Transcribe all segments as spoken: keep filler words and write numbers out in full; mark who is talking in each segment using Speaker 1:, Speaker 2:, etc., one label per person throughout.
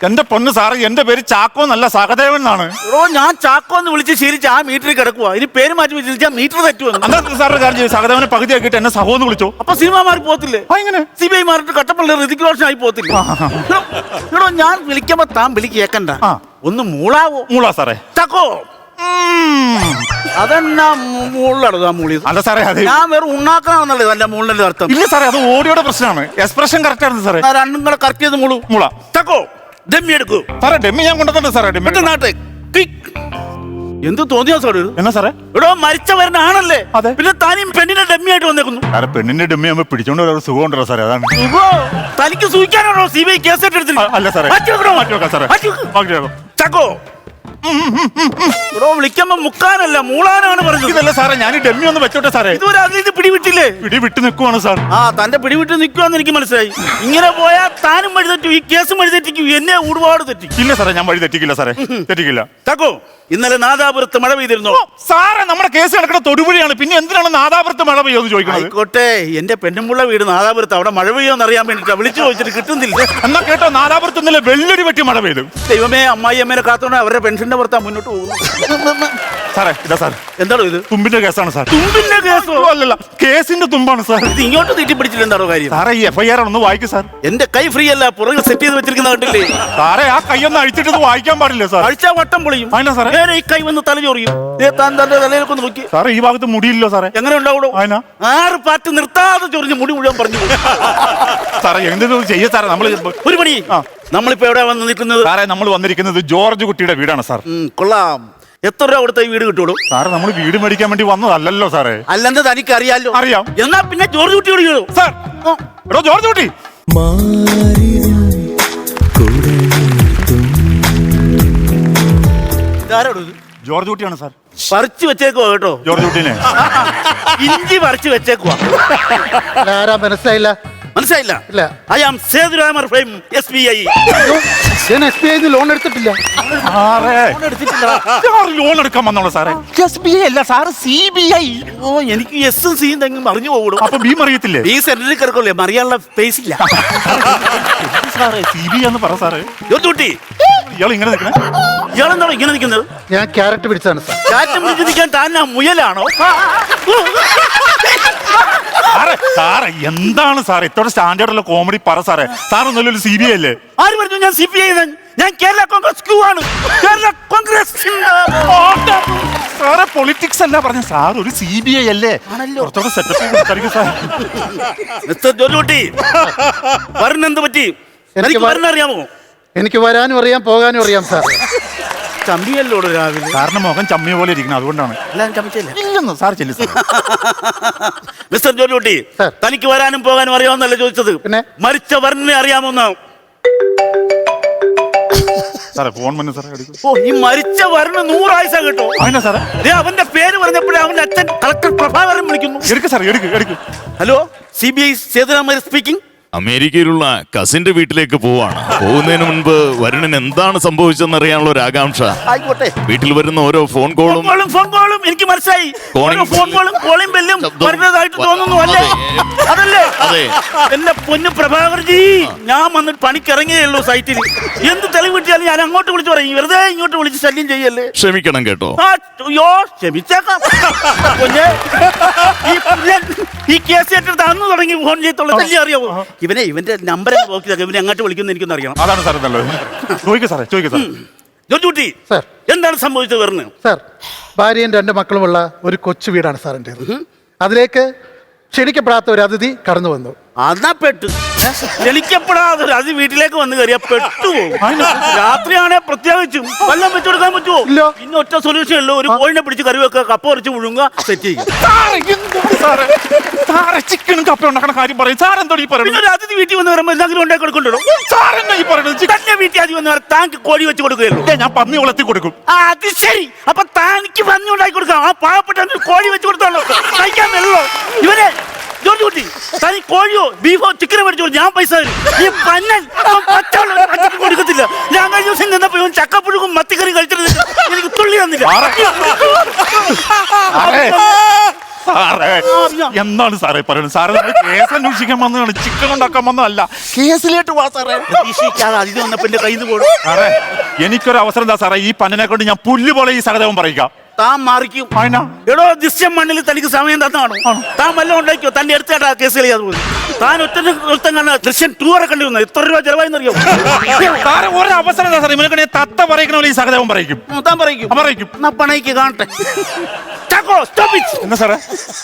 Speaker 1: എന്റെ പൊന്ന് സാറ്, എന്റെ പേര് ചാക്കോ എന്നല്ല സഹദേവൻ എന്നാണ്.
Speaker 2: ഓ ഞാൻ ചാക്കോ എന്ന് വിളിച്ച് ശീലിച്ച് ആ മീറ്ററിൽ കിടക്കുക. ഇനി പേര് മാറ്റി വിളിച്ചാൽ മീറ്റർ തെറ്റുവന്നു.
Speaker 1: അന്നത്തെ സാറിന്റെ കാര്യം ചെയ്യും, സഹദേവനെ പകുതി ആക്കിയിട്ട് എന്നെ സഹോ എന്ന് വിളിച്ചോ.
Speaker 2: അപ്പൊ സിനിമാമാർ പോത്തില്ലേ?
Speaker 1: എങ്ങനെ
Speaker 2: സി ബി ഐ മാറിട്ട് കട്ടപ്പള്ളി ഋതിക് റോഷൻ ആയി പോത്തില്ലേ? എടോ ഞാൻ വിളിക്കുമ്പോ താൻ വിളി കേക്കണ്ട, ഒന്ന് മൂളാവോ?
Speaker 1: മൂളാ സാറേ.
Speaker 2: ചാക്കോ അതെന്നാ മൂളിലടോ മൂളിയത്?
Speaker 1: അല്ല സാറേ, അത്
Speaker 2: ഞാൻ വേറെ ഉണ്ടാക്കണമെന്നല്ലേ നല്ല മൂളിന്റെ അർത്ഥം.
Speaker 1: ഇല്ല സാറേ, അത് ഓഡിയോയുടെ പ്രശ്നമാണ്. എക്സ്പ്രഷൻ കറക്റ്റ് ആണ് സാറേ.
Speaker 2: രണ്ടും കൂടെ കറക്റ്റ് ചെയ്ത് മൂളു.
Speaker 1: മൂള.
Speaker 2: ചാക്കോ ഡെമ്മി എടുക്കൂ
Speaker 1: സാറേ. ഡെമ്മി ഞാൻ കൊണ്ടുവന്നിട്ടുണ്ട് സാറേ. ഡെമ്മി
Speaker 2: നാട്ടെ എന്ത് തോന്നിയാ സാർ?
Speaker 1: എന്നാ സാറേ?
Speaker 2: എടോ മരിച്ചവരനാണല്ലേ,
Speaker 1: അതെ.
Speaker 2: പിന്നെ താനും പെണ്ണിനെ ഡെമ്മി ആയിട്ട് വന്നേക്കുന്നു.
Speaker 1: സാറേ പെണ്ണിന്റെ ഡെമ്മി ആകുമ്പോ പിടിച്ചോണ്ട് ഒരു സുഖം ഉണ്ടല്ലോ സാറേ, അതാണ്.
Speaker 2: തനിക്ക് സൂചിക്കാനാണോ സി ബി ഐ കേസ് എടുത്തിട്ട്?
Speaker 1: അല്ല സാറേ, മാറ്റി വെക്കാം സാറേ.
Speaker 2: ചാക്കോ എടോ വിളിക്കുമ്പോ മുക്കാനല്ല മൂളാനാണ് പറഞ്ഞത്.
Speaker 1: ഇതല്ല സാറേ, ഞാൻ ഡെമ്മി ഒന്ന് വെച്ചോട്ടെ സാറേ.
Speaker 2: ഇതുവരെ അതിൽ പിടിവിട്ടില്ലേ?
Speaker 1: പിടി വിട്ട് നിൽക്കുവാണ് സാർ.
Speaker 2: ആ തന്റെ പിടിവിട്ട് നിൽക്കുവാന്ന് എനിക്ക് മനസ്സിലായി. ഇങ്ങനെ പോയാൽ താനും വഴി തെറ്റും, ഈ കേസും വഴി തെറ്റിക്കും, എന്നെ ഒരുപാട് തെറ്റിക്കും.
Speaker 1: ഇല്ല സാറേ, ഞാൻ വഴി തെറ്റിക്കില്ല സാറേ, തെറ്റിക്കില്ല.
Speaker 2: ചാക്കോ ഇന്നലെ നാദാപുരത്ത് മഴ പെയ്തിരുന്നോ?
Speaker 1: സാറേ നമ്മുടെ കേസ് നടക്കുന്ന തൊടുപുഴയാണ്, പിന്നെ എന്തിനാണ് നാദാപുരത്ത് മഴ പെയ്യോന്ന് ചോദിക്കുന്നത്?
Speaker 2: ആയിക്കോട്ടെ, എന്റെ പെണ്ണുമ്പുള്ള വീട് നാദാപുരത്ത്, അവിടെ മഴ പെയ്യോന്ന് അറിയാൻ വേണ്ടിട്ടാ വിളിച്ചു ചോദിച്ചിട്ട് കിട്ടുന്നില്ല.
Speaker 1: എന്നാ കേട്ടോ, നാദാപുരത്ത് ഇന്നലെ വെള്ളരി വെട്ടി മഴ പെയ്തു.
Speaker 2: ദൈവമേ, അമ്മായി അമ്മേനെ കാത്തോണ്ട് അവരുടെ പെൻഷന്റെ പുറത്താ മുന്നോട്ട് പോകുന്നു.
Speaker 1: സാറേ ഇതാ സാർ.
Speaker 2: എന്താണോ ഇത്?
Speaker 1: തുമ്പിന്റെ കേസാണ് സാർ.
Speaker 2: തുമ്പിന്റെ കേസോ?
Speaker 1: അല്ലല്ല, കേസിന്റെ തുമ്പാണ് സാർ.
Speaker 2: ഇത് ഇങ്ങോട്ട് തീറ്റി പിടിച്ചില്ല, എന്താണോ കാര്യം?
Speaker 1: സാറേ ഈ എഫ് ഐ ആർ ഒന്ന് വായിക്കും സാർ.
Speaker 2: എന്റെ കൈ ഫ്രീ അല്ല, പുറകിൽ സെറ്റ് ചെയ്ത് വെച്ചിരിക്കുന്ന കണ്ടില്ലേ?
Speaker 1: സാറേ ആ കൈ ഒന്ന് അഴിച്ചിട്ട് ഇത് വായിക്കാൻ പാടില്ല സാർ.
Speaker 2: അഴിച്ചാ വട്ടം പൊളിയും.
Speaker 1: അതിനാ സാറേ?
Speaker 2: നേരെ ഈ കൈ വന്ന് തല ചൊറിയും. താൻ തന്റെ തലയിലേക്ക് ഒന്ന് നോക്കി.
Speaker 1: സാറേ ഈ ഭാഗത്ത് മുടിയില്ലോ സാറേ.
Speaker 2: എങ്ങനെ ഉണ്ടാവൂടോ?
Speaker 1: അതിനാ
Speaker 2: ആറ് പാറ്റ് നിർത്താതെ ചൊറിഞ്ഞ് മുടി മുഴുവൻ പറഞ്ഞു.
Speaker 1: സാറേ എന്തെങ്കിലും ചെയ്യ സാറേ. നമ്മള്
Speaker 2: ഒരു പണി, നമ്മളിപ്പോ എവിടെ വന്ന് നിൽക്കുന്നത്?
Speaker 1: സാറേ നമ്മൾ വന്നിരിക്കുന്നത് ജോർജ് കുട്ടിയുടെ വീടാണ് സാർ.
Speaker 2: കൊള്ളാം. എത്ര രൂപ കൊടുത്ത ഈ വീട് കിട്ടുള്ളൂ?
Speaker 1: സാറേ നമ്മൾ വീട് മേടിക്കാൻ വേണ്ടി വന്നതല്ലല്ലോ സാറേ.
Speaker 2: അല്ലെന്ന് തനിക്ക് അറിയാലോ?
Speaker 1: അറിയാം.
Speaker 2: എന്നാ പിന്നെ ജോർജ് കുട്ടിയോട് കേളൂ.
Speaker 1: സാർ എടോ ജോർജ് കുട്ടി. ജോർജ് കുട്ടിയാണ് സാർ.
Speaker 2: പറിച്ചു വെച്ചേക്കുവാ കേട്ടോ
Speaker 1: ജോർജ് കുട്ടീനെ.
Speaker 2: ഇഞ്ചി പറിച്ചു വെച്ചേക്കുവാ.
Speaker 3: മനസ്സിലായില്ല.
Speaker 2: മനസ്സിലായില്ല?
Speaker 3: ഇല്ല.
Speaker 2: I am Sethuramar from S B I.
Speaker 3: ഞാൻ എസ് ബി ഐ ലോൺ എടുത്തിട്ടില്ല.
Speaker 1: ലോൺ എടുക്കാൻ വന്നോളൂ സാറേ. എസ് ബി ഐ അല്ല സാറ്, സി ബി ഐ.
Speaker 2: ഓ എനിക്ക് എസും സിയും തെങ്ങും അറിഞ്ഞു പോകും.
Speaker 1: അപ്പൊ ബി അറിയത്തില്ലേ?
Speaker 2: ഈ സെന്ററിൽ കിടക്കല്ലേ, മറിയാനുള്ള സ്പേസ് ഇല്ല.
Speaker 1: സാറേ സി ബി ഐ എന്ന് പറ സാറേ.
Speaker 2: ജോർജ് കുട്ടി
Speaker 1: ഇയാൾ ഇങ്ങനെ നിൽക്കണേ.
Speaker 2: ഇയാളെന്താണോ ഇങ്ങനെ നിൽക്കുന്നത്?
Speaker 3: ഞാൻ ക്യാരറ്റ് പിടിച്ചാണ് സാർ.
Speaker 2: കാറ്റ് പിടിച്ച് നിൽക്കാൻ താൻ ആ മുയലാണോ?
Speaker 1: സാറേ സാറേ എന്താണ് സാറേ ഇത്തോടെ സ്റ്റാൻഡേർഡുള്ള കോമഡി പറ സാറേ. സാർ ഒന്നല്ലോ സി ബി ഐ അല്ലേ?
Speaker 2: ആര് പറഞ്ഞു ഞാൻ സി പി ഐ? ഞാൻ കേരള കോൺഗ്രസ് ക്യൂ ആണ്. കേരള കോൺഗ്രസ്.
Speaker 1: സാറേ പൊളിറ്റിക്സ് അല്ല പറഞ്ഞ സാർ, ഒരു സി ബി ഐ അല്ലേ? കുറച്ചുകൂടെ സെറ്റപ്പ് സാർ.
Speaker 2: മിസ്റ്റർ ജോർജ് കുട്ടി വരണെന്ത് പറ്റി? എനിക്ക് വരണറിയാമോ?
Speaker 3: എനിക്ക് വരാനും അറിയാം, പോകാനും അറിയാം സാർ.
Speaker 2: ചമ്മിയല്ലോ രാവിലെ.
Speaker 1: സാറിന്റെ മുഖം ചമ്മിയ പോലെ ഇരിക്കണം, അതുകൊണ്ടാണ്.
Speaker 2: എല്ലാം ചമ്മിച്ചില്ല.
Speaker 1: ഇല്ലെന്ന് സാർ ചെല്ലു സാർ.
Speaker 2: മിസ്റ്റർ ജോർജ് കുട്ടി തനിക്ക് വരാനും പോകാനും അറിയാമെന്നല്ല ചോദിച്ചത്,
Speaker 3: പിന്നെ
Speaker 2: മരിച്ച വരനെ അറിയാമോന്ന്.
Speaker 1: സാറേ ഫോൺ വന്നു സാറേ.
Speaker 2: ഓ ഈ മരിച്ച വരന് നൂറായുസ കേട്ടോ.
Speaker 1: അതിനാ സാറേ?
Speaker 2: അവന്റെ പേര് പറഞ്ഞപ്പോഴേ അവന്റെ അച്ഛൻ കളക്ടർ പ്രഭാകരൻ വിളിക്കുന്നു.
Speaker 1: എടുക്ക് സാറേ, എടുക്ക് എടുക്ക്.
Speaker 2: Hello, C B I Sethuraman speaking.
Speaker 4: അമേരിക്കയിലുള്ള കസിന്റെ വീട്ടിലേക്ക് പോവാണ്. പോകുന്നതിന് മുൻപ് വരുണിന് എന്താണ് സംഭവിച്ചെന്ന് അറിയാനുള്ള ഒരു ആകാംക്ഷ.
Speaker 2: ആയിക്കോട്ടെ.
Speaker 4: വീട്ടിൽ വരുന്ന ഓരോ ഫോൺ കോളും
Speaker 2: ഫോൺ കോളും എനിക്ക് മനസ്സിലായി. ഫോൺ കോളും കോളിംഗ് ബെല്ലും വരുന്നതായിട്ട് തോന്നുന്നു അല്ലേ? അതല്ലേ? എന്റെ പൊന്നു പ്രഭാകർജി, ഞാൻ വന്നിട്ട് പണിക്കിറങ്ങിയേ ഉള്ളൂ സൈറ്റിൽ. എന്ത് തെളിവ് കിട്ടിയാലും ഞാൻ അങ്ങോട്ട് വിളിച്ചു പറയും, വെറുതെ ഇങ്ങോട്ട് വിളിച്ച് ശല്യം ചെയ്യല്ലേ.
Speaker 4: ക്ഷമിക്കണം കേട്ടോ.
Speaker 2: അയ്യോ ക്ഷമിച്ചേക്കാം. ഈ കേസ് ഏറ്റെടുത്ത് അന്ന് തുടങ്ങി ഫോൺ ചെയ്യത്തുള്ള ശല്യം അറിയാമോ? ഇവനെ ഇവന്റെ നമ്പർ നോക്കി ഇവനെ അങ്ങോട്ട് വിളിക്കുന്ന എനിക്കൊന്നും അറിയണം.
Speaker 1: അതാണ് സാർ നല്ലത്. ചോദിക്കാം സാറേ, ചോദിക്കാം സാർ.
Speaker 2: ജോർജ് കുട്ടി
Speaker 3: സാർ
Speaker 2: എന്താണ് സംഭവിച്ചത്? പറഞ്ഞു
Speaker 3: സാർ. ഭാര്യയും രണ്ട് മക്കളുമുള്ള ഒരു കൊച്ചു വീടാണ് സാറിൻ്റെ. അതിലേക്ക് ക്ഷണിക്കപ്പെടാത്ത ഒരു അതിഥി കടന്നു വന്നു.
Speaker 2: അതാ പെട്ടു. ക്ഷണിക്കപ്പെടാതെ അത് വീട്ടിലേക്ക് വന്ന് കയറിയാ പെട്ടുപോകും. രാത്രിയാണെ പ്രത്യേകിച്ചും വല്ലം വെച്ചു കൊടുക്കാൻ പറ്റുമോ? പിന്നെ ഒറ്റ സൊല്യൂഷൻ ഉള്ളൂ, ഒരു കോഴിനെ പിടിച്ച് കറി വെക്കുക, കപ്പ കുറച്ച് മുഴുങ്ങുക, സെറ്റ് ചെയ്യുക.
Speaker 1: ചിക്കനും കപ്പ ഉണ്ടാക്കണ കാര്യം പറയും സാർ. എന്തോ ഈ പറയുന്നത്?
Speaker 2: ഒരു അതിഥി വീട്ടിൽ വന്ന് പറയുമ്പോൾ എന്തെങ്കിലും ഉണ്ടാക്കി കൊടുക്കണ്ടോ? തന്നെ വീട്ടിൽ ആദ്യം വന്ന് താങ്ക് കോഴി വെച്ച് കൊടുക്കുകയല്ലോ.
Speaker 1: ഞാൻ പന്നി വളർത്തി കൊടുക്കും.
Speaker 2: അത് ശരി. അപ്പൊ താനിക്ക് പന്നി ഉണ്ടാക്കി കൊടുക്കാം. ആ പാവപ്പെട്ട കോഴി വെച്ച് കൊടുത്തോളൂ, കഴിക്കാൻ വെള്ളോ. ഇവനെ ജോർജ് കുട്ടി തനി കോഴിയോ ബീഫോ ചിക്കനോ മേടിച്ചോ, ഞാൻ പൈസ തരും. ഈ പന്നൻ പച്ചക്ക് കൊടുക്കത്തില്ല. ഞാൻ കഴിഞ്ഞ ദിവസം നിന്നപ്പോ ഇവൻ ചക്കപ്പുഴുക്കും മത്തിക്കറി കഴിച്ചിട്ട് എനിക്ക് തുള്ളി തന്നില്ല.
Speaker 1: സാറേ എന്താണ് സാറേ പറയുന്നത്? സാറേ നമ്മൾ കേസ് അന്വേഷിക്കാൻ വന്നതാണ്, ചിക്കൻ ഉണ്ടാക്കാൻ വന്നതല്ല. കേസിലേക്ക് വാ സാറേ.
Speaker 2: പ്രതീക്ഷിക്കാതെ അതിന് വന്നപ്പോ എന്റെ കയ്യിൽ നിന്ന് പോടും.
Speaker 1: സാറേ എനിക്കൊരു അവസരം എന്താ സാറേ, ഈ പന്നിനെ കൊണ്ട് ഞാൻ പുല്ല് പോലെ ഈ സഹദേവം പറയിക്കാം.
Speaker 2: താൻ മാറിക്കും.
Speaker 1: അതിനാ
Speaker 2: എടോ ദൃശ്യം മണ്ണിൽ തനിക്ക് സമയം തന്നാണ്. താൻ വല്ലതും ഉണ്ടാക്കിയോ? തന്റെ അടുത്തായിട്ടാ കേസ് കളിയാതെ പോയി. താൻ ഒറ്റ ഒരുത്തം കണ്ട ദൃശ്യം ടൂറെ കണ്ടു വന്നു. എത്ര രൂപ ചെലവായെന്നറിയോ?
Speaker 1: സാറേ ഒരു അവസരം എന്താ സാറേ, ഇവനെ തത്ത പറയിക്കണ പോലെ ഈ സഹദേവം പറയിക്കും.
Speaker 2: താൻ പറയിക്കും.
Speaker 1: പറയിക്കും.
Speaker 2: എന്നാ പണയ്ക്ക് കാണട്ടെ. Chacko stop it.
Speaker 1: എന്നാ സാറേ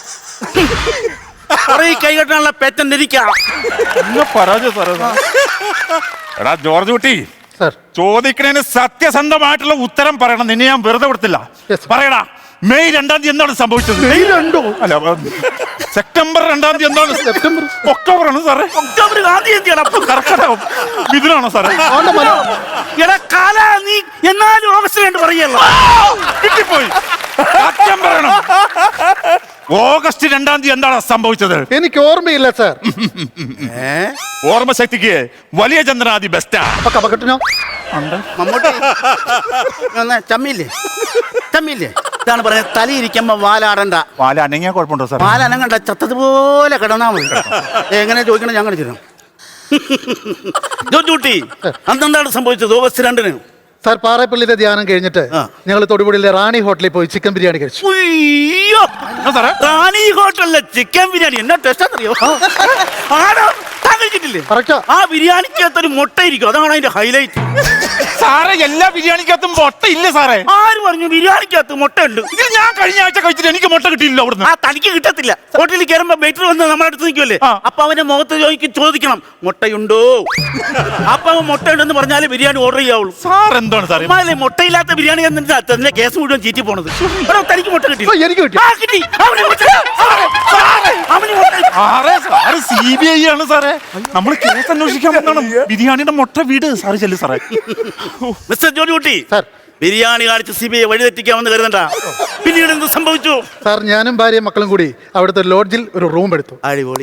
Speaker 2: ഈ കൈ കെട്ടാനുള്ള പേറ്റന്റ് ഇരിക്കാം.
Speaker 1: പരാജയം സാറേ. എടാ ജോർജ് കുട്ടി,
Speaker 3: സാർ
Speaker 1: ചോദിക്കണേന് സത്യസന്ധമായിട്ടുള്ള ഉത്തരം പറയണം. നിന്നെ ഞാൻ വെറുതെ വിടത്തില്ല.
Speaker 3: Yes, sir.
Speaker 1: പറയടാ, മെയ് രണ്ടാം തീയതി എന്താണ് സംഭവിച്ചത്?
Speaker 3: മെയ് രണ്ടോ?
Speaker 1: അല്ല സെപ്റ്റംബർ രണ്ടാം തീയതി എന്താണ്?
Speaker 3: സെപ്റ്റംബർ
Speaker 1: ഒക്ടോബർ ആണ് സാറേ.
Speaker 2: ഒക്ടോബർ ഗാന്ധി ജയന്തിയാണ്. അപ്പൊ
Speaker 1: കർക്കടകം ഇതിനാണോ സാറേ?
Speaker 3: ആണ്ടെ മല.
Speaker 2: എടാ കാല നീ എന്നാലും ഓഗസ്റ്റ് രണ്ട് പറയല്ലോ.
Speaker 1: കിട്ടിപ്പോയി. സത്യം പറയണം. ഓഗസ്റ്റ് രണ്ടാം തീയതി എന്താണ് സംഭവിച്ചത്?
Speaker 3: എനിക്ക് ഓർമ്മയില്ല സാർ.
Speaker 1: ഓർമ്മശക്തിക്ക് വലിയ ചന്ദ്രനാദി ബെസ്റ്റാ.
Speaker 3: അപ്പൊ കപകെട്ടിനോ?
Speaker 2: മമ്മൂട്ടി ഒന്ന് ചമ്മില്ലേ ചമ്മില്ലേ ഇതാണ് പറയുന്നത്. തലയിരിക്കുമ്പോ വാലാടണ്ട.
Speaker 1: വാല അനങ്ങിയാ കുഴപ്പമുണ്ടോ സാർ?
Speaker 2: വാലനങ്ങണ്ട, ചത്തതുപോലെ കിടന്നാ മതി. എങ്ങനെ ചോദിക്കണം ഞാൻ കാണിച്ചു തരാം. ജോജൂട്ടി അന്നെന്താണ് സംഭവിച്ചത് ഓഗസ്റ്റ് രണ്ടിന്?
Speaker 3: സാർ പാറപ്പള്ളിയിലെ ധ്യാനം കഴിഞ്ഞിട്ട്
Speaker 2: ആ.
Speaker 3: ഞങ്ങൾ തൊടുപുഴയിലെ റാണി ഹോട്ടലിൽ പോയി ചിക്കൻ ബിരിയാണി കഴിച്ചു.
Speaker 2: ഉയ്യോ,
Speaker 1: എന്നാ സാറേ?
Speaker 2: റാണി ഹോട്ടലിലെ ചിക്കൻ ബിരിയാണി എന്നാ ടേസ്റ്റ് അറിയോ? ആണോ? താൻ കഴിച്ചിട്ടില്ലേ?
Speaker 3: കറക്റ്റാ.
Speaker 2: ആ ബിരിയാണിക്കകത്തൊരു മുട്ട ഇരിക്കും, അതാണ് അതിന്റെ ഹൈലൈറ്റ്.
Speaker 1: സാറേ എല്ലാ ബിരിയാണിക്കകത്തും മുട്ട ഇല്ല സാറേ.
Speaker 2: ആര് പറഞ്ഞു ബിരിയാണിക്കകത്ത് മുട്ട ഉണ്ട്?
Speaker 1: ഇത് ഞാൻ കഴിഞ്ഞ ആഴ്ച കഴിച്ചിട്ട് എനിക്ക് മുട്ട കിട്ടിയില്ല അവിടുന്ന്.
Speaker 2: ആ തനിക്ക് കിട്ടത്തില്ല. ഹോട്ടലിൽ കയറുമ്പോ വെയിറ്റർ വന്ന് നമ്മുടെ അടുത്ത് നിൽക്കുമല്ലേ,
Speaker 1: ആ.
Speaker 2: അപ്പൊ അവന്റെ മുഖത്ത് ചോദിക്കും ചോദിക്കണം മുട്ടയുണ്ടോ. അപ്പൊ അവൻ മുട്ടയുണ്ടെന്ന് പറഞ്ഞാല് ബിരിയാണി ഓർഡർ ചെയ്യാവുള്ളൂ.
Speaker 1: സാർ എന്താണ് സാറേ?
Speaker 2: അമ്മാതിരി മുട്ടയില്ലാത്ത ബിരിയാണി തന്നെ കേസ് മുഴുവൻ ചീറ്റി പോണത്. എടോ, തനിക്ക് മുട്ട കിട്ടി?
Speaker 3: ഓ, എനിക്ക് കിട്ടി.
Speaker 2: ആ, കിട്ടി. അവന് മുട്ട. അവന് മുട്ട.
Speaker 1: സാറേ സാറ് സി ബി ഐ ആണ് സാറേ. നമ്മൾ കേസ് അന്വേഷിക്കാൻ വന്നതാണ്. ബിരിയാണിയുടെ മുട്ട വീട് സാറ് ചെല്ലു സാറേ.
Speaker 2: മിസ്റ്റർ ജോലി കുട്ടി,
Speaker 3: സാർ
Speaker 2: ബിരിയാണി കാണിച്ച് സി ബി ഐ വഴിതെറ്റിക്കാമെന്ന് കരുതണ്ട. പിന്നീട് എന്ത് സംഭവിച്ചു?
Speaker 3: സാർ ഞാനും ഭാര്യയും മക്കളും കൂടി അവിടുത്തെ ലോഡ്ജിൽ ഒരു റൂം എടുത്തു.
Speaker 2: അടിപൊളി.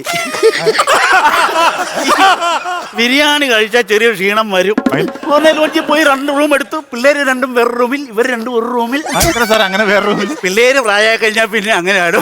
Speaker 2: ബിരിയാണി കഴിച്ചാൽ ചെറിയ ക്ഷീണം വരും. ഒന്നേ ലോഡ്ജിൽ പോയി രണ്ട് റൂം എടുത്തു. പിള്ളേര് രണ്ടും വേറെ റൂമിൽ, ഇവർ രണ്ടും ഒരു റൂമിൽ.
Speaker 1: സാർ അങ്ങനെ വേറെ റൂമിൽ
Speaker 2: പിള്ളേര് പ്രായമായി കഴിഞ്ഞാൽ പിന്നെ അങ്ങനെ ആടും.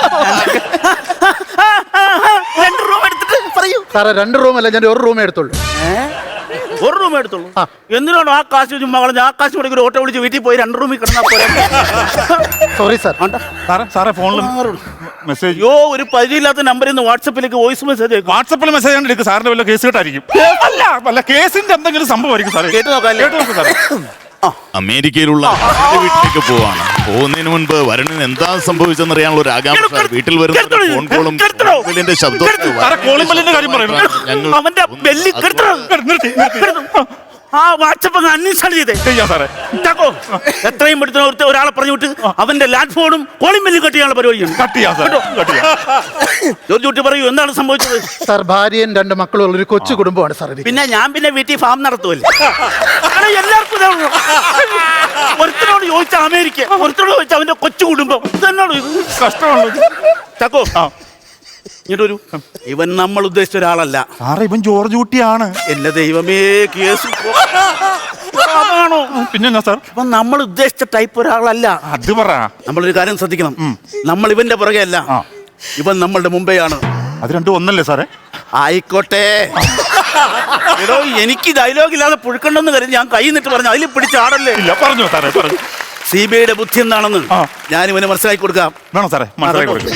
Speaker 2: രണ്ട് റൂം എടുത്തിട്ട് പറയൂ.
Speaker 3: സാറേ രണ്ട് റൂമല്ല, ഞാൻ ഒരു റൂമേ എടുത്തുള്ളൂ.
Speaker 2: ഒരു റൂം എടുത്തുള്ളൂ.
Speaker 3: ആ.
Speaker 2: എന്തിനാണോ ആ കാശ് ചുമ്മാ കളഞ്ഞ? ആ കാശ് മുടക്കി ഒരു ഓട്ടോ വിളിച്ച് വീട്ടിൽ പോയി രണ്ട് റൂമിൽ കിടന്നാ പോലെ.
Speaker 3: Sorry sir.
Speaker 1: സാറേ സാറേ ഫോണിൽ മെസ്സേജ്.
Speaker 2: അയ്യോ, ഒരു പരിചയമില്ലാത്ത നമ്പറിൽ നിന്ന് വാട്സപ്പിലേക്ക് വോയിസ് മെസ്സേജ് അയക്കും.
Speaker 1: വാട്സപ്പിൽ മെസ്സേജ് കണ്ടെടുക്കും. സാറിന്റെ വല്ല കേസ് കേട്ടായിരിക്കും. അല്ല അല്ല കേസിന്റെ എന്തെങ്കിലും സംഭവമായിരിക്കും സാറേ.
Speaker 2: കേട്ട് നോക്കാം.
Speaker 1: കേട്ട് നോക്ക് സാറേ.
Speaker 4: അമേരിക്കയിലുള്ള അച്ഛന്റെ വീട്ടിലേക്ക് പോവാണ്. പോകുന്നതിന് മുൻപ് വരുണിന് എന്താ സംഭവിച്ചെന്ന് അറിയാനുള്ള ഒരു ആകാംക്ഷ. വീട്ടിൽ വരുന്ന ഫോൺ കോളും ബെല്ലിന്റെ ശബ്ദവും
Speaker 1: സാറേ കോളിംഗ് ബെല്ലിന്റെ കാര്യം പറയുന്നു.
Speaker 4: ഞങ്ങൾ
Speaker 2: അവന്റെ ബെല്ലി കെടുത്തണം.
Speaker 1: നിർത്തി നിർത്തി.
Speaker 2: ആ വാട്സപ്പ് അൺഇൻസ്റ്റാൾ ചെയ്തേ.
Speaker 1: ചെയ്യാം സാറേ.
Speaker 2: ചാക്കോ, എത്രയും പെടുത്തുന്ന ഒരുത്ത ഒരാളെ പറഞ്ഞു വിട്ട് അവന്റെ ലാൻഡ് ഫോണും കോളിംഗ് ബെല്ലും കട്ട് ചെയ്യാനുള്ള പരിപാടിയാണ്.
Speaker 1: കട്ട് ചെയ്യാം സാർ. കട്ട് ചെയ്യാം.
Speaker 2: ജോർജ് കുട്ടി പറയൂ, എന്താണ് സംഭവിച്ചത്?
Speaker 3: സാർ ഭാര്യയും രണ്ട് മക്കളും ഉള്ള ഒരു കൊച്ചു കുടുംബമാണ് സാർ എനിക്ക്.
Speaker 2: പിന്നെ ഞാൻ പിന്നെ വീട്ടിൽ ഫാം നടത്തുമല്ലേ. അങ്ങനെ എല്ലാവർക്കും ഇതേ ഉള്ളൂ. ഒരുത്തനോട് ചോദിച്ച അമേരിക്ക, ഒരുത്തനോട് ചോദിച്ച അവന്റെ കൊച്ചു കുടുംബം. ഇതെന്നാണോ ഇത്?
Speaker 1: കഷ്ടമാണല്ലോ.
Speaker 2: ചാക്കോ
Speaker 1: ആ
Speaker 2: ഇങ്ങോട്ട് വരൂ. ഇവൻ നമ്മൾ ഉദ്ദേശിച്ച ഒരാളല്ല.
Speaker 1: സാറേ ഇവൻ ജോർജ് കുട്ടിയാണ്.
Speaker 2: എന്റെ ദൈവമേ, കേസ് അതാണോ?
Speaker 1: പിന്നെ സാർ
Speaker 2: ഇവൻ നമ്മൾ ഉദ്ദേശിച്ച ടൈപ്പ് ഒരാളല്ല.
Speaker 1: അത് പറ.
Speaker 2: നമ്മളൊരു കാര്യം ശ്രദ്ധിക്കണം. നമ്മൾ ഇവന്റെ പുറകെ അല്ല,
Speaker 1: ആ.
Speaker 2: ഇവൻ നമ്മളുടെ മുമ്പെയാണ്.
Speaker 1: അത് രണ്ടും ഒന്നല്ലേ സാറേ?
Speaker 2: ആയിക്കോട്ടെ. എടോ, എനിക്ക് ഡയലോഗ് ഇല്ലാതെ പുഴുക്കണ്ടെന്ന് കരുതി ഞാൻ കൈ നിട്ട് പറഞ്ഞു. അതിൽ പിടിച്ചാടല്ലേ.
Speaker 1: ഇല്ല പറഞ്ഞു സാറേ പറഞ്ഞു.
Speaker 2: സി ബി ഐയുടെ ബുദ്ധി എന്താണെന്ന്
Speaker 1: ആ.
Speaker 2: ഞാൻ ഇവന് മനസ്സിലാക്കി കൊടുക്കാം.
Speaker 1: വേണോ സാറേ? മനസ്സിലാക്കി കൊടുക്കും.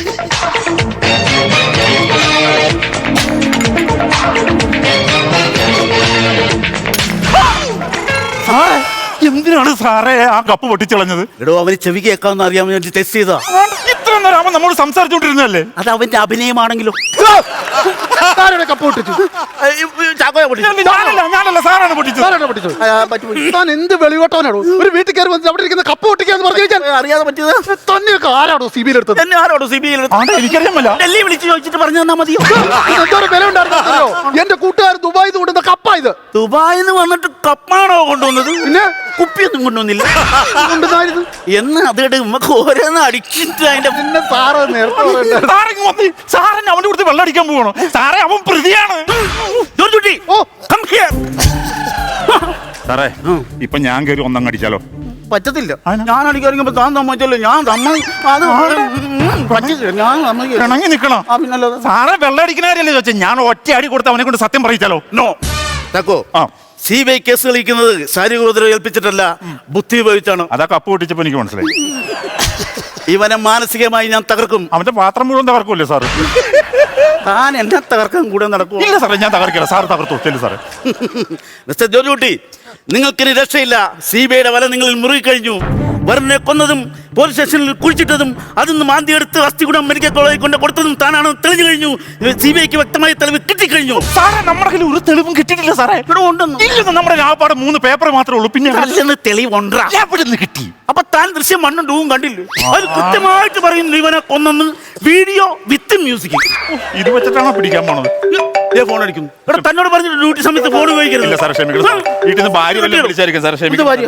Speaker 1: സാറേ എന്തിനാണ് സാറേ ആ കപ്പ് പൊട്ടിച്ചളഞ്ഞത്?
Speaker 2: എടോ, അവന് ചെവി കേൾക്കാമെന്ന് അറിയാൻ വേണ്ടി ടെസ്റ്റ് ചെയ്താ.
Speaker 1: ഇത്ര നേരം അവൻ നമ്മോട് സംസാരിച്ചോണ്ടിരുന്നല്ലേ?
Speaker 2: അത് അവന്റെ അഭിനയമാണെങ്കിലോ.
Speaker 3: സാറുടെ കപ്പ് പൊട്ടിച്ചു.
Speaker 2: ചാക്കോയെ പൊട്ടിച്ചു.
Speaker 1: ഞാനല്ല ഞാനല്ല സാറാണ് പൊട്ടിച്ചത്.
Speaker 3: സാറാണ് പൊട്ടിച്ചത്.
Speaker 2: ആ, പറ്റുപോയി.
Speaker 3: താൻ എന്ത് വെളിവോട്ടവനാണോ? ഒരു വീട്ടിൽ കയറി വന്നിട്ട് അവിടെ ഇരിക്കുന്ന കപ്പ് പൊട്ടിക്കാന്ന് പറഞ്ഞു കഴിഞ്ഞാൽ
Speaker 2: അറിയാതെ പറ്റിയത്
Speaker 3: തന്നെയൊക്കെ ആരാണോ സി ബിയിൽ എടുത്തത്?
Speaker 2: എന്നെ ആരോടോ സി ബി ഐ
Speaker 1: ആണ്ടെ എനിക്കറിയാമല്ല.
Speaker 2: ഡൽഹി വിളിച്ച് ചോദിച്ചിട്ട് പറഞ്ഞു തന്നാ മതിയോ?
Speaker 3: എന്തോരം വില ഉണ്ടായിരുന്നോ? എന്റെ കൂട്ടുകാർ ദുബായിൽ നിന്ന് കൊണ്ടുവന്ന കപ്പാ ഇത്.
Speaker 2: ദുബായിന്ന് വന്നിട്ട് കപ്പാണോ കൊണ്ടുവന്നത്?
Speaker 3: പിന്നെ
Speaker 2: കുപ്പിയൊന്നും കൊണ്ടുവന്നില്ല.
Speaker 3: കൊണ്ടുവന്നായിരുന്നു.
Speaker 2: എന്ന് അതോട് നമുക്ക് ഓരോന്ന് അടിച്ചിട്ട് അതിന്റെ
Speaker 3: പിന്നെ സാറ് നേരത്തെ പറയണ്ടേ?
Speaker 1: സാറിങ് വന്ന് സാറിന് അവന്റെ കൊടുത്ത് വെള്ളം അടിക്കാൻ പോകണോ? സാറേ അവൻ പ്രതിയാണ്.
Speaker 2: ജോർജ് കുട്ടി,
Speaker 3: ഓ
Speaker 2: come here.
Speaker 1: സാറേ ഇപ്പൊ ഞാൻ കയറി ഒന്നങ്ങ് അടിച്ചാലോ?
Speaker 2: പറ്റത്തില്ല.
Speaker 1: അതിനാ?
Speaker 2: ഞാൻ അടിക്കാറിയുമ്പോ താൻ സമ്മതിച്ചല്ലോ. ഞാൻ സമ്മതി അത് പറ്റില്ല, ഞാൻ സമ്മതിക്കില്ല.
Speaker 1: പിണങ്ങി നിക്കണം
Speaker 2: ആ, പിന്നല്ലാതെ.
Speaker 1: സാറെ വെള്ളടിക്കണാരല്ലേ ചോദിച്ചാൽ ഞാൻ ഒറ്റ അടി കൊടുത്ത് അവനെ കൊണ്ട് സത്യം പറയിച്ചാലോ?
Speaker 2: നോ തക്കോ
Speaker 1: ആ
Speaker 2: സി ബി ഐ കേസ് കളിക്കുന്നത് ശാരീരിക ഉപദ്രവം ഏൽപ്പിച്ചിട്ടല്ല, ബുദ്ധി ഉപയോഗിച്ചാണ്.
Speaker 1: അതാ കപ്പ് പൊട്ടിച്ചപ്പോ എനിക്ക് മനസ്സിലായി.
Speaker 2: ഇവനെ മാനസികമായി ഞാൻ തകർക്കും.
Speaker 1: അവന്റെ പാത്രം മുഴുവൻ തകർക്കൂല്ലേ സാറ്?
Speaker 2: താൻ എന്നെ തകർക്കാൻ കൂടെ നടക്കും.
Speaker 1: ഇല്ല സാറേ, ഞാൻ തകർക്കില്ല. സാറ് തകർത്തു ചെല്ലു സാറേ.
Speaker 2: മിസ്റ്റർ ജോർജ് കുട്ടി, നിങ്ങൾക്കിനി രക്ഷയില്ല. സി ബി ഐയുടെ വല നിങ്ങളിൽ മുറുകി കഴിഞ്ഞു. വരുണിനെ കൊന്നതും പോലീസ് സ്റ്റേഷനിൽ കുഴിച്ചിട്ടതും അതിന്ന് മാന്തി എടുത്ത് അസ്ഥികുടം മെഡിക്കൽ കോളേജിൽ കൊണ്ട് കൊടുത്തതും താനാണ് തെളിഞ്ഞു കഴിഞ്ഞു. സി ബി ഐക്ക് വ്യക്തമായ തെളിവ് കിട്ടിക്കഴിഞ്ഞു.
Speaker 1: സാറേ, നമ്മുടെ കയ്യിൽ ഒരു തെളിവും കിട്ടിയിട്ടില്ല സാറേ.
Speaker 2: ഇവിടെ ഉണ്ടെന്ന്.
Speaker 1: ഇല്ലെന്ന്, നമ്മുടെ ആപ്പാട് മൂന്ന് പേപ്പർ മാത്രമേ ഉള്ളൂ. പിന്നെ
Speaker 2: അല്ലെന്ന് തെളിവുണ്ടാ.
Speaker 1: എവിടെ കിട്ടി?
Speaker 2: അപ്പൊ താൻ ദൃശ്യം മണ്ണും ഡൂവും കണ്ടില്ലേ? അത് കൃത്യമായിട്ട് പറയുന്നു ഇവനെ കൊന്നെന്ന്. Video with music.
Speaker 1: ഇത് വെച്ചിട്ടാണോ പിടിക്കാൻ പോണത്?
Speaker 2: ഫോൺ അടിക്കുന്നു. ഇവിടെ തന്നോട് പറഞ്ഞിട്ട് ഡ്യൂട്ടി സമയത്ത് ഫോൺ
Speaker 1: ഇല്ല
Speaker 2: ഉപയോഗിക്കരുത്.
Speaker 1: സാറേ, ക്ഷമിക്കണം. വീട്ടിൽ നിന്ന് ഭാര്യ വല്ലതും വിളിച്ചായിരിക്കും സാറേ,
Speaker 2: ഇത്
Speaker 1: ക്ഷമിക്കണം.
Speaker 2: ഭാര്യ.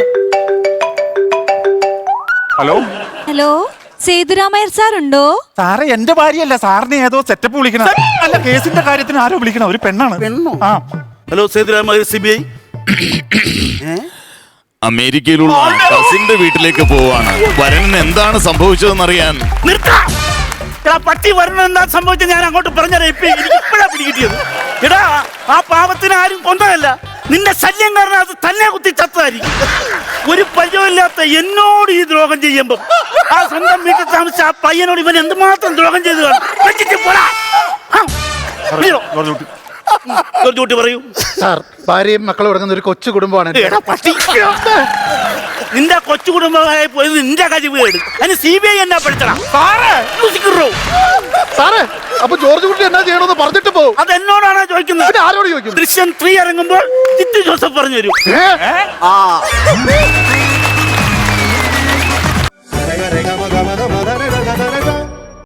Speaker 1: ഹലോ
Speaker 5: ഹലോ, സേതുരാമയ്യർ സാർ ഉണ്ടോ?
Speaker 1: സാറേ, എന്റെ ഭാര്യയല്ല, സാറിനെ ഏതോ സെറ്റപ്പ് വിളിക്കണം. അല്ല, കേസിന്റെ കാര്യത്തിന് ആരോ വിളിക്കണം. ഒരു പെണ്ണാണ്.
Speaker 2: പെണ്ണോ?
Speaker 1: ആ
Speaker 2: hello Sethuramaiyer, C B I.
Speaker 4: അമേരിക്കയിലുള്ള കസിന്റെ വീട്ടിലേക്ക് പോവാണ്. വരണിന് എന്താണ് സംഭവിച്ചതെന്നറിയാൻ.
Speaker 2: നിർത്താ. എടാ, പട്ടി വരണം എന്താ സംഭവിച്ചത് ഞാൻ അങ്ങോട്ട് പറഞ്ഞുതരാം. ഇപ്പൊ എനിക്ക് ഇപ്പഴാ പിടികിട്ടിയത്. എടാ, ആ പാവത്തിന് ആരും കൊന്നതല്ല, നിന്റെ ശല്യം കാരണം അത് തന്നെ കുത്തി ചത്തതായിരിക്കും. ഒരു പരിചയമില്ലാത്ത എന്നോട് ഈ ദ്രോഹം ചെയ്യുമ്പോ ആ സ്വന്തം വീട്ടിൽ താമസിച്ച ആ പയ്യനോട് ഇവൻ എന്തുമാത്രം ദ്രോഹം ചെയ്തു കാണും. വെച്ചിട്ട് പോടാ. ആ, വീഴോ.
Speaker 1: ജോർജ് കുട്ടി.
Speaker 2: ജോർജ് കുട്ടി പറയൂ.
Speaker 3: സാർ, ഭാര്യയും മക്കളും അടങ്ങുന്ന ഒരു കൊച്ചു കുടുംബമാണ് എൻ്റെ.
Speaker 2: എടാ, പട്ടി. നിന്റെ കൊച്ചു കുടുംബമായി പോയത് നിന്റെ കഴിവ് കേട്. അതിന് സി ബി ഐ എന്നാ പഠിച്ചടാ.
Speaker 3: സാറേ, അപ്പൊ ജോർജ് കുട്ടി എന്നാ ചെയ്യണമെന്ന് പറഞ്ഞിട്ട് പോകും.
Speaker 2: അത് എന്നോടാണോ ചോദിക്കുന്നത്?
Speaker 3: പിന്നെ ആരോട് ചോദിക്കും?
Speaker 2: ദൃശ്യം ത്രീ ഇറങ്ങുമ്പോൾ ജിത്തു ജോസഫ് പറഞ്ഞു തരും.
Speaker 3: ഏ?
Speaker 2: ആ